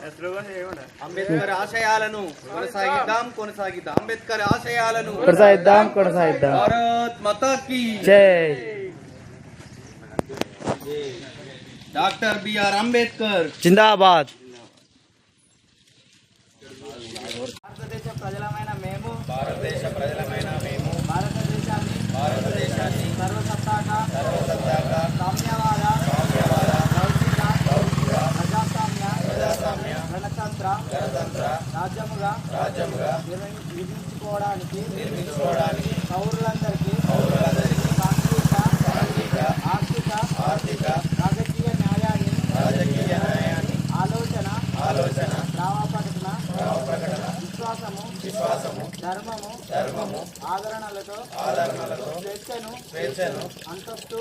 అంబేద్కర్ ఆశయాలను కొనసాగిద్దాం. అంబేద్కర్ ఆశయాలను కొనసాగిద్దాం. భారత్ మాతా కీ జై. డాక్టర్ బిఆర్ అంబేద్కర్ జిందాబాద్. భారతదేశ ప్రజలమైన మేము భారతదేశాన్ని సర్వసత్తాక సామ్యవాద ప్రజాస్వామ్య గణతంత్ర రాజ్యముగా నిర్మించుకోవడానికి పౌరులందరికీ ఆర్థిక రాజకీయ న్యాయాన్ని ఆలోచన ప్రకటన విశ్వాసము ధర్మము ఆదరణలతో స్వేచ్ఛను అంతస్తు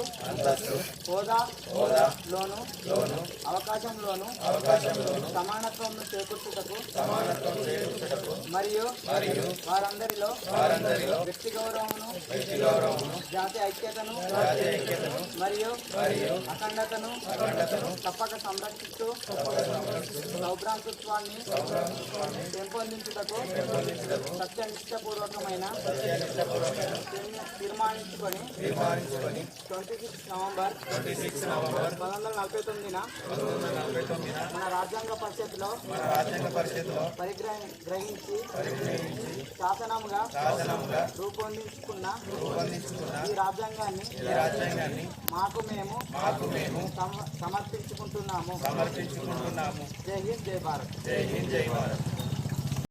హోదాలోను అవకాశంలోను సమానత్వంను చేకూర్చుటకు మరియు వారందరిలో వ్యక్తి గౌరవమును జాతి ఐక్యతను మరియు అఖండతను తప్పక సంరక్షిస్తూ సౌభ్రాతృత్వాన్ని పెంపొందించుటకు సత్యనిష్టపూర్వకమైన తీర్మానించుకొని 26 నవంబర్ 1949 మన రాజ్యాంగ పరిషత్లో పరిగ్రహించి శాసనంగా రూపొందించుకున్న ఈ రాజ్యాంగాన్ని మాకు మేము సమర్పించుకుంటున్నాము. జై హింద్, జై భారత్.